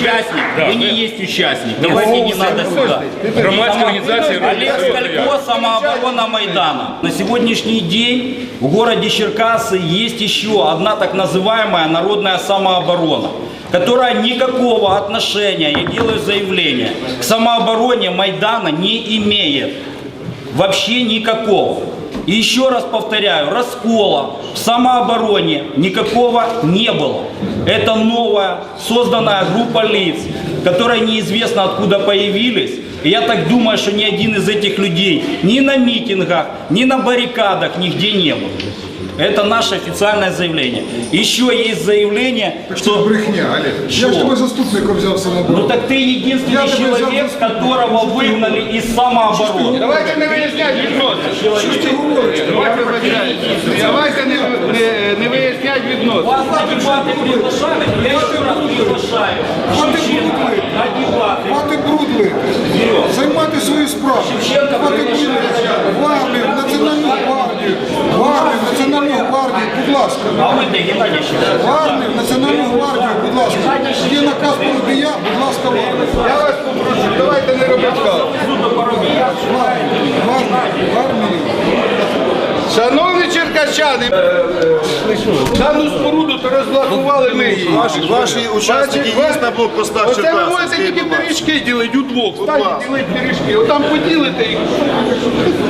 участник, вы не есть участник. Давайте не надо сюда. Громадская организация Олег Сколько, самооборона Майдана. На сегодняшний день в городе Черкассы есть еще одна так называемая народная самооборона, которая никакого отношения, я делаю заявление, к самообороне Майдана не имеет. Вообще никакого. И еще раз повторяю, раскола в самообороне никакого не было. Это новая созданная группа лиц, которые неизвестно откуда появились. И я так думаю, что ни один из этих людей ни на митингах, ни на баррикадах нигде не был. Это наше официальное заявление. Еще есть заявление, что... брехня, Олег. Я ж тебе заступником взяв самооборону. Ну так ты единственный человек, которого выгнали из самообороны. Давайте не виясняти відносини. Що ж ти говориш? Давайте не виясняти відносини. Вас на дебаты приглашали, я еще раз приглашаю. Шевченко на дебаты. Мати бруд займати свою справу. Шевченко Мати бруд в армію, в Національну гвардію. В армію, в Національну гвардію, будь ласка. А вы ты, Геннадий Шевченко. В армію, в Національну гвардію, будь ласка. Є наказ Парубія, будь ласка, в армію. Я вас попрошу, давайте не робити каву. В армію. Шановні черкащани, дану споруду то розблокували ми її. Ваші учасники є на блокпостах Оце ви Черкас? можете тільки пиріжки ділити удвох. Станьте, ділити пиріжки. Отам поділите їх.